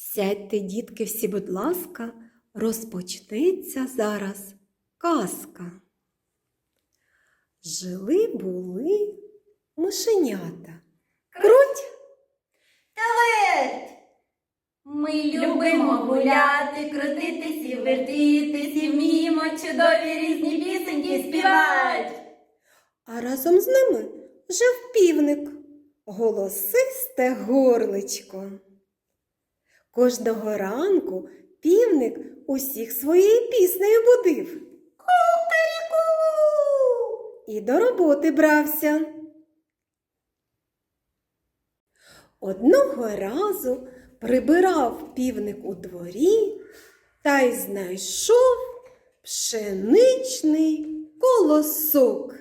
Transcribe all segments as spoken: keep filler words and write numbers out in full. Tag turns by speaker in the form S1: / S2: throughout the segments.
S1: Сядьте, дітки, всі, будь ласка, розпочнеться зараз казка. Жили-були мишенята. Круть!
S2: Та верть! Ми любимо гуляти, крутитись і вертитись, і вміємо чудові різні пісеньки співать.
S1: А разом з ними жив півник, голосисте горличко. Кожного ранку півник усіх своєю піснею будив.
S2: Кукаріку!
S1: І до роботи брався. Одного разу прибирав півник у дворі та й знайшов пшеничний колосок.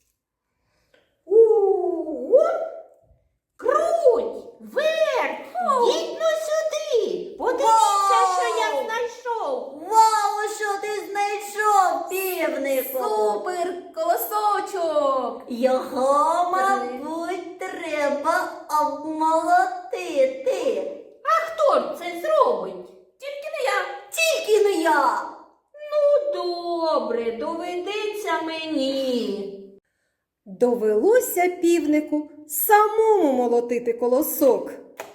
S2: Ого! Круть! Верть! Їдь ну сюди! Подивіться, що я знайшов! Вау, що ти знайшов, півнику! Супер колосочок! Його, мабуть, треба обмолотити. А хто ж це зробить? Тільки не я. Тільки не я. Ну, добре, доведеться мені.
S1: Довелося півнику самому молотити колосок.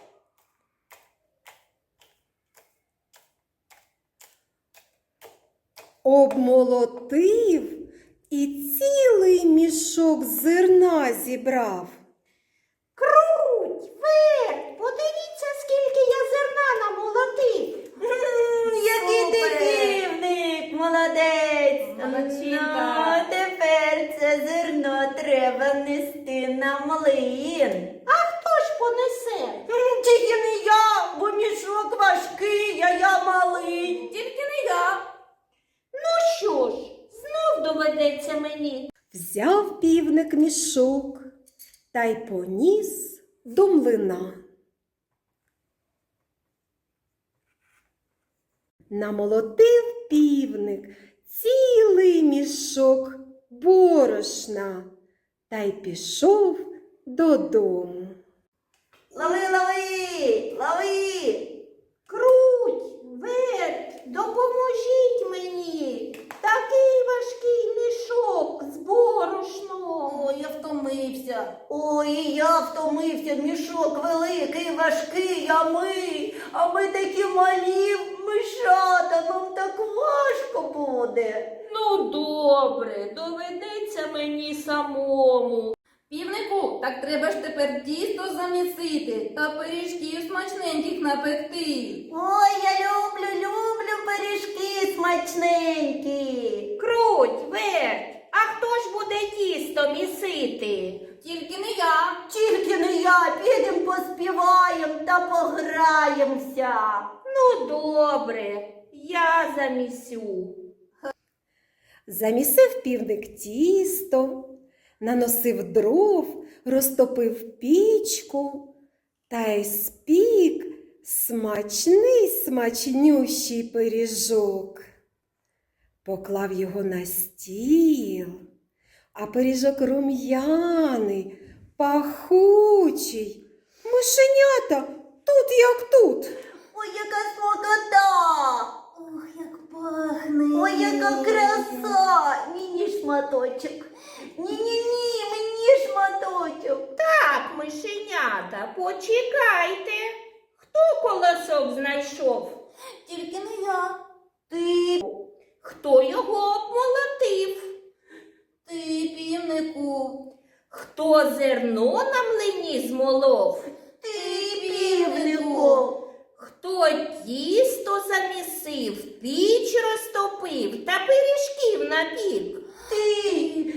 S1: Обмолотив і цілий мішок зерна зібрав.
S2: Круть, верть, подивіться, скільки я зерна намолотив. Який ти півник, молодець. Молодчинка. Тепер це зерно треба нести на млин. А хто ж понесе? Тільки не я, бо мішок важкий, а я малий. Тільки не я. Ну що ж, знов доведеться мені.
S1: Взяв півник мішок та й поніс до млина. Намолотив півник цілий мішок борошна та й пішов додому.
S2: Лови, лови, лови! Круть, верть, допоможіть мені! Такий важкий мішок з борошном. Ой, я втомився. Ой, я втомився. Мішок великий, важкий, а ми, а ми такі малі мишата, нам так важко буде. Ну, добре, доведеться мені самому. Півнику, так треба ж тепер тісто замісити та пиріжків смачненьких напекти. Ой, я люблю, люблю пиріжки смачненькі. Круть, верть, а хто ж буде тісто місити? Тільки не я. Тільки не я, підемо поспіваємо та пограємося. Ну, добре, я замісю.
S1: Замісив півник тісто, наносив дров, розтопив пічку та й спік смачний смачнющий пиріжок. Поклав його на стіл, а пиріжок рум'яний, пахучий. Мишенята тут як тут.
S2: Ой, яка смакота! Ох, як пахне! Ой, яка краса! Мені шматочок! Ні-ні-ні, мені шматочок! Так, мишенята, почекайте! Хто колосок знайшов? Тільки не я. Ти. Хто його обмолотив? Ти, півнику. Хто зерно на млині змолов? Ти, півнику. Хто тісто замісив, піч розтопив та пиріжків напік? Ти,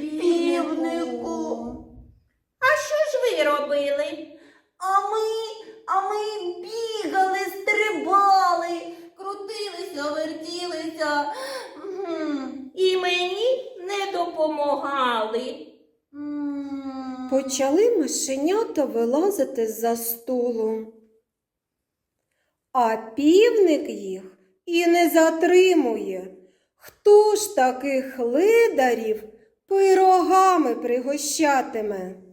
S2: півнику. А що ж ви робили? А ми, а ми бігали, стрибали, крутилися, вертілися. І мені не допомагали.
S1: Почали мишенята вилазити з-за столу. А півник їх і не затримує. Хто ж таких лидарів пирогами пригощатиме?